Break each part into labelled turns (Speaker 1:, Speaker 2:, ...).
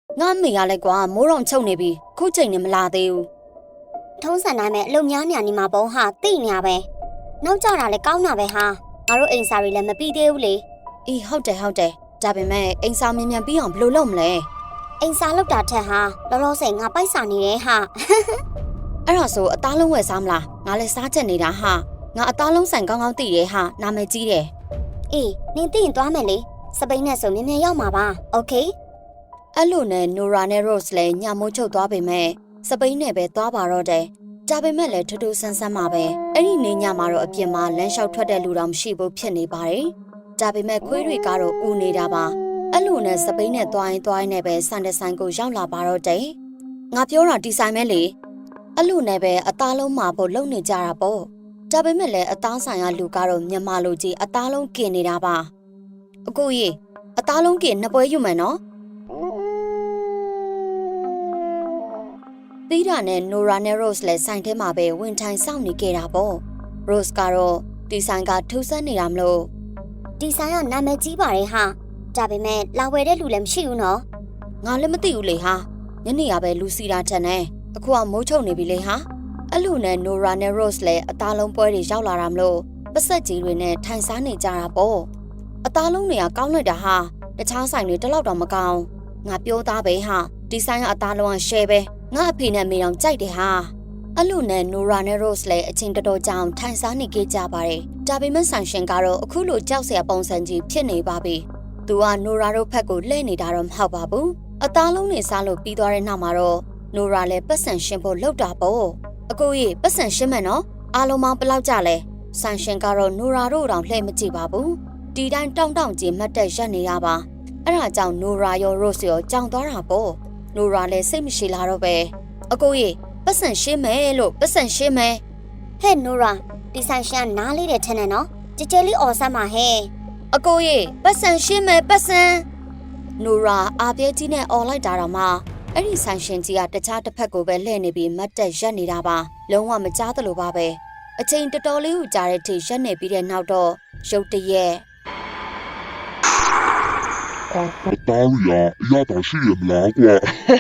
Speaker 1: ငါမေရလဲကွာမိုးရောင်ချုပ်နေပြီခုချိန်နဲ့မလာသေးဘူး
Speaker 2: ထုံးစံတိုင်းပဲအလုံများညာနေမှာပေါ့ဟာတိညာပဲနောက်ကြတာလဲကောင်းတာပဲဟာငါတို့အိမ်စာတွေလည်းမပြီးသေးဘူးလေ
Speaker 1: အေးဟုတ်တယ်ဒါပေမဲ့အိမ်စာမြန်မြန်ပြီးအောင်ဘယ်လိုလုပ်မလဲ
Speaker 2: အိမ်စာလောက်တာထက်ဟာလောလောဆယ်ငါပိုက်စာနေတယ်ဟာ
Speaker 1: အဲ့ဒါဆိုအသားလုံးဝယ်စားမလားငါလည်းစားချက်နေတာဟာငါအသားလုံးဆိုင်ကောင်းကောင်းသိတယ်ဟာနာမည်ကြီးတယ်
Speaker 2: အေးနင်သိရင်သွားမယ်လေစပိန်နဲ့ဆိုမြန်မြန်ရောက်မှာပါโอเค
Speaker 1: အဲ့လိုနဲ့ Nora နဲ့ Rose လည်းညမိုးချုပ်သွားပေမဲ့စပိန်နဲ့ပဲသွားပါတော့တယ်ဒါပေမဲ့လည်းထူးထူးဆန်းဆန်းမှာပဲအဲ့ဒီနေညမှာတော့အပြင်မှာလမ်းလျှောက်ထွက်တဲ့လူတော်မရှိဘူးဖြစ်နေပါတယ်ဒါပေမဲ့ခွေးတွေကတော့ဦးနေတာပါအဲ့လိုနဲ့စပိန်နဲ့သွားရင်နဲ့ပဲစန်တဆိုင်ကိုရောက်လာပါတော့တယ်ငါပြောတာဒီဆိုင်မဲလေအဲ့လိုနဲ့ပဲအသားလုံးမှာဖို့လုံနေကြတာပေါ့ဒါပေမဲ့လည်းအသားဆိုင်ကလူကတော့မြန်မာလူကြီးအသားလုံးกินနေတာပါအကိုကြီးအသားလုံးกินနှစ်ပွဲယူမယ်နော်သီးတာနဲ့ Nora နဲ့ Rose လည်းဆိုင်ထဲမှာပဲဝင်ထိုင်စောင့်နေကြတာပေါ့ Rose ကတော့ဒီဆိုင်ကထူးဆန်းနေတာမလို့
Speaker 2: ဒီဆိုင်ကနာမည်ကြီးပါတယ်ဟာဒါပေမဲ့လာဝယ်တဲ့လူလည်းမရှိဘူးနော်
Speaker 1: ငါလည်းမသိဘူးလေဟာညနေကပဲလူစီတာထက်နဲ့အခုကမိုးချုပ်နေပြီလေဟာအဲ့လိုနဲ့ Nora နဲ့ Rose လည်းအသားလုံးပွဲတွေရောက်လာတာမလို့ပတ်ဆက်ကြီးတွေနဲ့ထိုင်စားနေကြတာပေါ့အသားလုံးတွေကကောင်းလိုက်တာဟာတခြားဆိုင်တွေတလောက်တော့မကောင်းငါပြောသားပဲဟာဒီဆိုင်ကအသားလုံးက share ပဲငါအဖေနဲ့မေတော်ကြိုက်တယ်ဟာအဲ့လိုနဲ့ Nora နဲ့ Rose လည်းအချင်းတော်ကြောင်ထိုင်စားနေကြပါ တယ်ဒါပေမဲ့ဆိုင်ရှင်ကတော့အခုလိုကြောက်စရာပုံစံကြီးဖြစ်နေပါပြီသူက Nora တို့ဖက်ကိုလှည့်နေတာတော့မဟုတ်ပါဘူးအသားလုံးတွေစားလို့ပြီးသွားတဲ့နောက်မှာတော့ Nora လည်းပတ်စံရှင်းဖို့လောက်တာပေါ့အကိုကြီးပတ်စံရှင်းမယ်နော်အားလုံးပေါင်းဘယ်လောက်ကြလဲဆိုင်ရှင်ကတော့ Nora တို့တောင်လှည့်မကြည့်ပါဘူးဒီတိုင်းတောင့်ကြီးမှတ်တက်ရက်နေရပါအဲ့ဒါကြောင့် Nora ရော Rose ရောကြောင်သွားတာပေါ့ Nora လည်းစိတ်မရှိလာတော့ပဲအကိုကြီးပတ်စံရှင်းမယ်လို့ပတ်စံရှင်းမယ်
Speaker 2: ဟဲ့ Nora ဒီဆိုင်ရှင်နားလေးတဲ့ထက်နဲ့နော်ကြကြလေးအော်ဆမ်းပါဟဲ့
Speaker 1: အကိုကြီးပတ်စံရှင်းမယ်ပတ်စံ Nora အားပြဲကြီးနဲ့အော်လိုက်တာတော့မှအဲ့ဒီဆိုင်ရှင်ကြီးကတခြားတစ်ဖက်ကိုပဲလှည့်နေပြီးမတ်တက်ရက်နေတာပါလုံးဝမကြားသလိုပါပဲအချိန်တော်တော်လေးကိုကြာတဲ့ထိရက်နေပြီးတဲ့နောက်တော့ရုတ်တရက်
Speaker 3: တားရီယာရတာရှိရမလားကွာ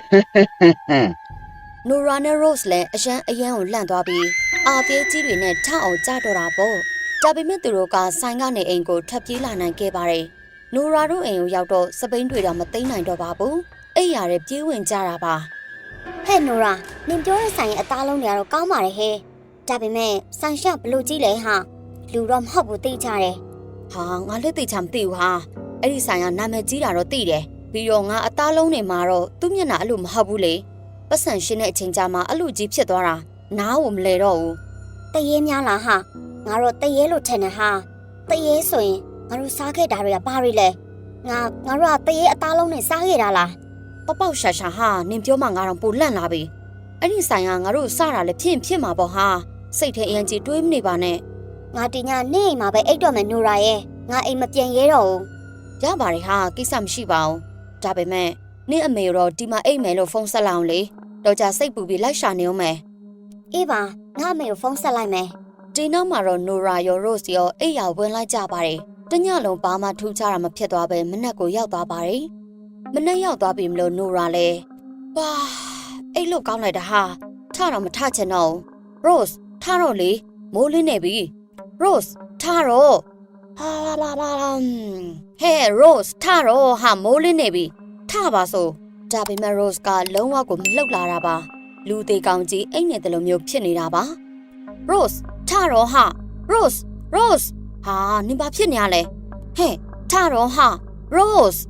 Speaker 1: Nora နဲ့ Rose လည်းအရန်ကိုလန့်သွားပြီးအားပြဲကြီးတွေနဲ့ထအောင်ကြတော့တာပေါ့ဒါပေမဲ့သူတို့ကဆိုင်ကနေအိမ်ကိုထွက်ပြေးလာနိုင်ခဲ့ပါတယ် Nora တို့အိမ်ကိုရောက်တော့စပိန်တွေတော့မသိမ်းနိုင်တော့ပါဘူးအိမ်ရတဲ့ပြေးဝင်ကြတာပါ
Speaker 2: ဟဲ့ Nora နင်ပြောတဲ့ဆိုင်ရဲ့အသားလုံးတွေကတော့ကောင်းပါတယ်ဟဲ့ဒါပေမဲ့ဆိုင်ရှဘလို့ကြီးလဲဟာလူတော့မဟုတ်ဘူးသိကြတယ်
Speaker 1: ဟာငါလက်သိချာမသိဘူးဟာအဲ့ဒီဆိုင်ကနာမည်ကြီးတာတော့သိတယ်ပြီးတော့ငါအသားလုံးတွေမှာတော့သူ့မျက်နှာအဲ့လိုမဟုတ်ဘူးလေပတ်စံရှင်းတဲ့အချိန်ကြာမှအဲ့လိုကြီးဖြစ်သွားတာနားကိုမလဲတော့ဘူး
Speaker 2: တရေများလားဟာငါတော့တရေလို့ထင်တယ်ဟာတရေဆိုရင်ငါတို့စားခဲ့တာတွေကဘာတွေလဲငါတို့ကတရေအသားလုံးနဲ့စားခဲ့တာလား
Speaker 1: ပေါက်ရှာရှာဟာနင်ပြောမှငါတော့ပိုလန့်လာပြီအဲ့ဒီဆိုင်ကငါတို့စတာလည်းဖြစ်မှာပေါ့ဟာစိတ်ထဲအရင်ကြီးတွေးမနေပါနဲ့
Speaker 2: ငါဒီညနေအိမ်မှာပဲအိတ်တော့မယ် Nora ရဲ့ငါအိမ်မပြန်ရဲတော့ဘူး
Speaker 1: ရပါတယ်ဟာကိစ္စမရှိပါဘူးဒါပေမဲ့နင့်အမေတော့ဒီမှာအိတ်မယ်လို့ဖုန်းဆက်လိုက်အောင်လေတော့ကြစိတ်ပူပြီးလိုက်ရှာနေအောင်မယ်
Speaker 2: အေးပါငါအမေကိုဖုန်းဆက်လိုက်မယ်
Speaker 1: ဒီနောက်မှာတော့ Nora ရော Rose ရောအိတ်ရောက်ဝင်လိုက်ကြပါတယ်တညလုံးဘာမှထူးခြားတာမဖြစ်သွားပဲမနက်ကိုရောက်သွားပါတယ်မနက်ရောက်သွားပြီမလို့ Nora လဲပါအိတ်လို့ကောင်းလိုက်တာဟာထတော့မထချင်တော့ Rose ထတော့လေမိုးလင်းနေပြီ Rose ထတော့ဟာလာဟဲ့ Rose ထတော့ဟာမိုးလင်းနေပြီထပါဆိုဒါပေမဲ့ Rose ကလုံးဝကိုမလှုပ်လာတာပါလူသေးကောင်ကြီးအိတ်နေတယ်လို့မျိုးဖြစ်နေတာပါ Rose ထတော့ဟာ Rose ဟာနင်ဘာဖြစ်နေရလဲဟဲ့ထတော့ဟာ Rose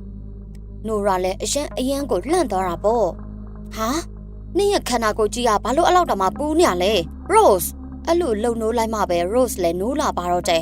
Speaker 1: Nora လည်းအရန်ကိုလှန့်သွားတာပေါ့ဟာနင်ရဲ့ခန္ဓာကိုယ်ကြီးကဘာလို့အဲ့လောက်တောင်မှပူနေရလဲ Rose အဲ့လိုလှုပ်နိုးလိုက်မှပဲ Rose လည်းနိုးလာပါတော့တယ်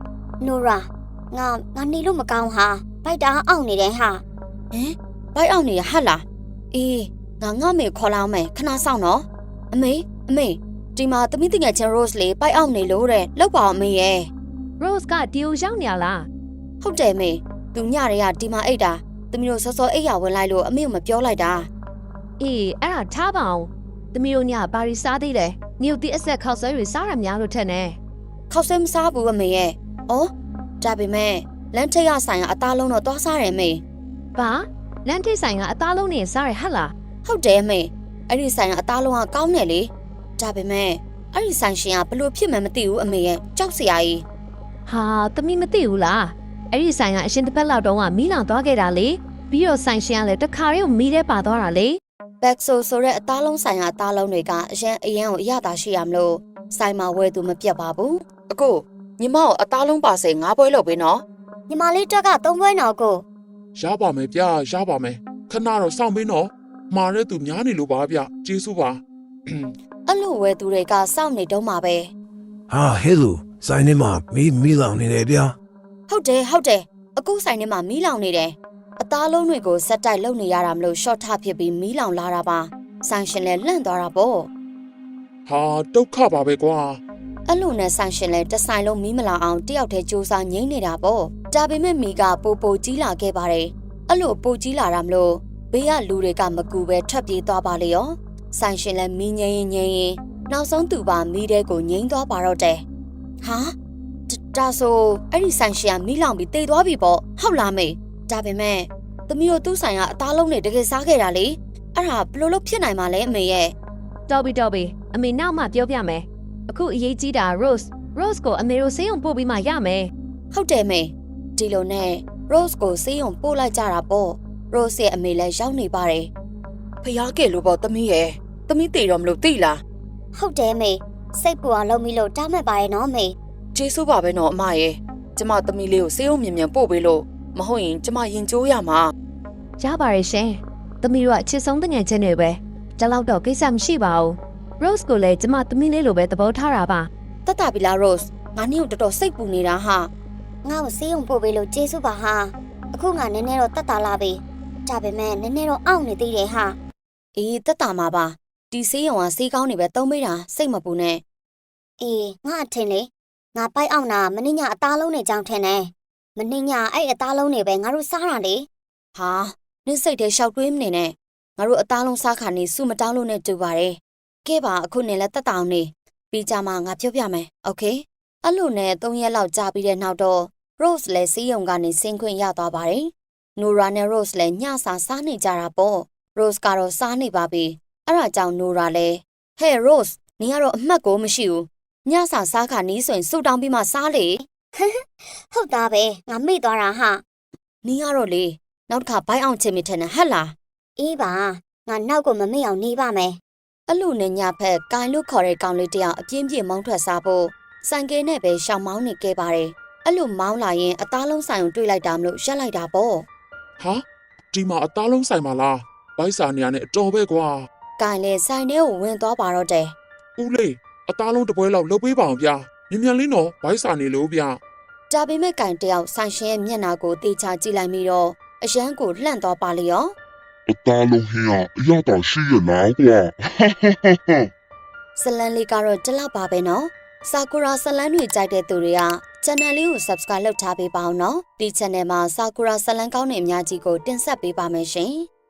Speaker 2: Nora ငါနေလို့မကောင်းဟာဗိုက်တာအောင့်နေတယ်ဟာ
Speaker 1: ဟင်ဗိုက်အောင့်နေရဟတ်လားအေးငါမေခေါ်လာအောင်မယ်ခဏစောင့်နော်အမေဒီမှာသမီးတငယ်ချင်း Rose လေးဗိုက်အောင့်နေလို့တဲ့လောက်ပါအောင်အမေရဲ့
Speaker 4: Rose ကဒီကိုရောက်နေရလား
Speaker 1: ဟုတ်တယ်မေသူညတွေကဒီမှာအိတ်တာသမီးတို့စောစောအိတ်ရဝင်လိုက်လို့အမေကိုမပြောလိုက်တာ
Speaker 4: အေးအဲ့ဒါထားပါအောင်သမီးတို့ညဘာရီစားသေးလဲညို့တီအဆက်ခောက်ဆွဲတွေစားရများလို့ထက်နေ
Speaker 1: ခောက်ဆွဲမစားဘူးအမေရဲ့ဩဒါပေမဲ့လမ်းထိပ်ရဆိုင်ကအသားလုံးတော့သွားစားတယ်မေ
Speaker 4: ဘာလမ်းထိပ်ဆိုင်ကအသားလုံးနဲ့စားရဟတ်လား
Speaker 1: ဟုတ်တယ်အမေအဲ့ဒီဆိုင်ကအသားလုံးကကောင်းတယ်လေဒါပေမဲ့အဲ့ဒီဆိုင်ရှင်ကဘလို့ဖြစ်မှန်းမသိဘူးအမေရဲ့ကြောက်စရာကြီး
Speaker 4: ဟာသမီးမသိဘူးလားအဲ့ဒီဆိုင်ကအရှင်တစ်ပတ်လောက်တုန်းကမီးလောင်သွားခဲ့တာလေပြီးတော့ဆိုင်ရှင်ကလည်းတခါတည်းကိုမီးထဲပါသွားတာလေ
Speaker 1: ဘက်ဆိုဆိုတဲ့အသားလုံးဆိုင်ကအသားလုံးတွေကအရင်ကိုအရသာရှိရမလို့ဆိုင်မှာဝယ်သူမပြတ်ပါဘူးအကိုညီမကိုအသားလုံးပါစေ9ပွဲလုပ်ပေးနော်
Speaker 2: ညီမလေးတက်က3ပွဲနော်ကို
Speaker 5: ရပါမယ်ဗျာရပါမယ်ခဏတော့စောင့်ပေးနော်မှားတဲ့သူများနေလို့ပါဗျကျေးဇူးပါ
Speaker 1: အဲ့လိုဝယ်သူတွေကစောင့်နေတော့မှာပဲ
Speaker 6: ဟာဟဲလိုဆိုင်နေမှာမီးလောင်နေတယ်ဗျာ
Speaker 1: ဟုတ်တယ်အကိုဆိုင်ထဲမှာမီးလောင်နေတယ်အသားလုံးတွေကိုစက်တိုက်လုံနေရတာမလို့ short ထဖြစ်ပြီးမီးလောင်လာတာပါဆိုင်ရှင်လည်းလန့်သွားတာပေါ့
Speaker 5: ဟာဒုက္ခပါပဲကွာ
Speaker 1: အဲ့လိုနဲ့ဆိုင်ရှင်လည်းတစ်ဆိုင်လုံးမီးမလာအောင်တယောက်တည်းစူးစမ်းငိမ့်နေတာပေါ့ဒါပေမဲ့မီးကပိုကြီးလာခဲ့ပါတယ်အဲ့လိုပိုကြီးလာတာမလို့ဘေးကလူတွေကမကူပဲထွက်ပြေးသွားပါလေရောဆိုင်ရှင်လည်းမီးငိမ့်ရင်နောက်ဆုံးသူပါမီးတဲကိုငိမ့်သွားပါတော့တယ်ဟာဒါဆိုအဲ့ဒီဆိုင်ရှင်ကမီးလောင်ပြီးတေသွားပြီပေါ့ဟုတ်လားမေဒါပေမဲ့သမီးတို့သူ့ဆိုင်ကအသားလုံးနဲ့တကယ်စားခဲ့တာလေအဲ့ဒါဘလို့လို့ဖြစ်နိုင်မှာလဲအမေရဲ့
Speaker 4: တော်ပြီအမေနောက်မှပြောပြမယ်အခုအရေးကြီးတာ Rose ကိုအမေတို့ဆေးရုံပို့ပြီးမှရမယ်
Speaker 1: ဟုတ်တယ်မေဒီလိုနဲ့ Rose ကိုဆေးရုံပို့လိုက်ကြတာပေါ့ Rose ရဲ့အမေလည်းရောက်နေပါတယ်ဖျားကဲလို့ပေါ့သမီးရဲ့သမီးတေတော့မလို့သိလား
Speaker 2: ဟုတ်တယ်မေစိတ်ပူအောင်လုပ်ပြီးလို့တားမှတ်ပါရဲ့နော်မေ
Speaker 1: ကျေးဇူးပါပဲနော်အမရဲ့ကျမသမီးလေးကိုဆေးရုံမြန်ပို့ပေးလို့မဟုတ်ရင်ကျမရင်ကျိုးရမှာ
Speaker 4: ရပါရဲ့ရှင်သမီးတို့ကအချစ်ဆုံးတငယ်ချင်းတွေပဲဒါတော့တော့ကိစ္စမရှိပါဘူး Rose ကိုလည်းကျမသမီးလေးလိုပဲသဘောထားတာပါ
Speaker 1: တတ်တာပြီလား Rose ငါနင့်ကိုတော်တော်စိတ်ပူနေတာဟာ
Speaker 2: ငါ့ကိုဆေးရုံပို့ပေးလို့ကျေးဇူးပါဟာအခုငါနည်းနည်းတော့တက်တာလာပြီဒါပေမဲ့နည်းနည်းတော့အောင့်နေသေးတယ်ဟာ
Speaker 1: အေးတက်တာမှာပါဒီဆေးရုံကဆေးကောင်းနေပဲသုံးပေးတာစိတ်မပူနဲ့
Speaker 2: အေးငါအထင်လေငါပိုက်အောင်တာမင်းညအသားလုံးနဲ့ကြောင်းထင်တယ်မင်းညအဲ့အသားလုံးတွေပဲငါတို့စားတာလေ
Speaker 1: ဟာနင့်စိတ်ထဲရှောက်တွေးမနေနဲ့ငါတို့အသားလုံးစားခါနေစုမတောင်းလို့နဲ့တူပါတယ်ကဲပါအခုနေလဲတက်တောင်းနေပြီးကြမှာငါပြောပြမယ်โอเคအဲ့လိုနဲ့3ရက်လောက်ကြာပြီးတဲ့နောက်တော့ Rose လည်းဆေးရုံကနေဆင်းခွင့်ရသွားပါတယ် Nora နဲ့ Rose လည်းညစာစားနေကြတာပေါ့ Rose ကတော့စားနေပါပြီအဲ့ဒါကြောင့် Nora လည်း Hey Rose နင်ကတော့အမှတ်ကိုမရှိဘူးညစာစားခါနီးဆိုရင်ဆူတောင်းပြီးမှစားလေ
Speaker 2: ဟုတ်သားပဲငါမေ့သွားတာဟာ
Speaker 1: နင်ကတော့လေနောက်တစ်ခါဘိုင်းအောင်ချင်မိထင်တယ်ဟဲ့လား
Speaker 2: အေးပါငါနောက်ကိုမမေ့အောင်နေပါမယ်
Speaker 1: အဲ့လိုနဲ့ညဖက်ကိုင်လို့ခေါ်တဲ့ကောင်လေးတယောက်အပြင်းပြေမောင်းထွက်စားဖို့ဆိုင်ကယ်နဲ့ပဲရှောင်မောင်းနေခဲ့ပါတယ်အဲ့လိုမောင်းလာရင်အသားလုံးဆိုင်ကိုတွေးလိုက်တာမလို့ရက်လိုက်တာပေါ့
Speaker 5: ဟာဒီမှာအသားလုံးဆိုင်ပါလားဘိုက်စာနေရနဲ့အတော်ပဲကွာ
Speaker 1: ကိုင်လည်းဆိုင်ထဲကိုဝင်သွားပါတော့တယ်
Speaker 5: ဦးလေးအသားလုံးတစ်ပွဲလောက်လုပ်ပေးပါအောင်ဗျာမြန်လေးနော်ဘိုက်စာနေလို့ဗျာ
Speaker 1: ဒါပေမဲ့ကိုင်တယောက်ဆိုင်ရှင်ရဲ့မျက်နှာကိုတေချာကြည့်လိုက်ပြီးတော့အရန်ကိုလှန့်သွားပါလေရော
Speaker 3: အသားလုံးဟင်းကအရသာရှိရလားကွာ
Speaker 1: ဇလန်လေးကတော့ဒီလောက်ပါပဲနော်ဆာကူရာဇလန်တွေကြိုက်တဲ့သူတွေက channel လေးကို subscribe လုပ်ထားပေးပါအောင်နော်ဒီ channel မှာဆာကူရာဇလန်ကောင်းတဲ့အများကြီးကိုတင်ဆက်ပေးပါမယ်ရှင်